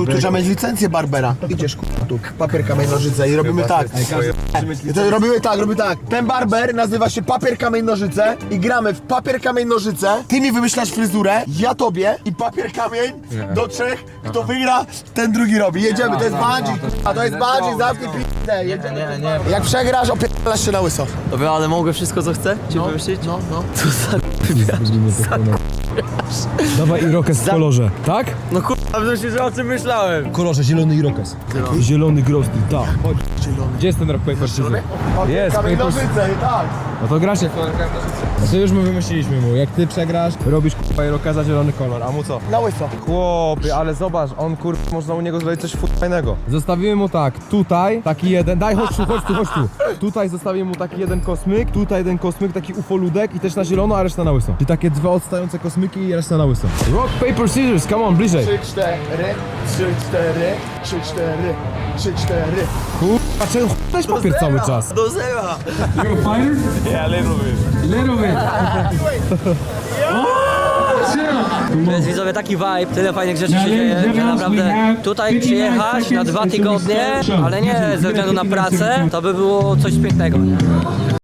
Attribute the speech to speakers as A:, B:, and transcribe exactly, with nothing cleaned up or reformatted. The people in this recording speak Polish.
A: Tu, tu trzeba mieć licencję Barbera. Idziesz k***a tu, papier, kamień, nożyce i robimy tak. I to robimy tak, robimy tak. Ten barber nazywa się papier, kamień, nożyce i gramy w papier, kamień, nożyce. Ty mi wymyślasz fryzurę, ja tobie i papier, kamień do trzech. Kto wygra, ten drugi robi. Jedziemy, to jest bungee, a to jest bungee, zamknij p***ę. Jedziemy.
B: Nie, nie.
A: Jak przegrasz, opierdalasz się na łyso.
B: Dobra, ale mogę wszystko co chcę? Ci
A: No,
B: wymyślić?
A: no, no.
B: Co za
C: Dawaj irokes w kolorze, tak?
B: No kurwa, myślę, że o czym myślałem.
C: W kolorze zielony irokes. Zielony, zielony grosty, tak. Chodź. Gdzie jest ten rock paper scissors?
A: Papier,
C: Jest,
A: kamień,
C: paper-
A: nożyce, tak.
C: No to gracie. No to już my wymyśliliśmy mu, jak ty przegrasz, robisz kurwa irokeza zielony kolor, a mu co?
A: Na łyso.
D: Chłopie, ale zobacz, on kurwa, można u niego zrobić coś fajnego.
C: Zostawimy mu tak, tutaj taki jeden, daj chodź tu, chodź tu, chodź tu. Tutaj zostawimy mu taki jeden kosmyk, tutaj jeden kosmyk, taki ufoludek i też na zielono, a reszta na łyso. I takie dwa odstające kosmyki i reszta na łyso. Rock, paper, scissors, come on, bliżej.
A: Trzy, cztery, trzy, cztery, trzy, cztery, trzy, cztery.
C: Kurwa, czemu ch***ałeś papier cały czas?
B: Do zera.
E: You're a fighter?
D: Yeah, little bit.
E: Little bit.
B: To jest widzowie taki vibe, tyle fajnych rzeczy się
E: Now,
B: dzieje,
E: ladies and
B: że
E: gentlemen,
B: naprawdę
E: we have
B: tutaj
E: fifty-nine
B: przyjechać na
E: seconds
B: dwa
E: until we
B: tygodnie,
E: start the show.
B: ale nie ze względu na pracę, to by było coś pięknego. Nie?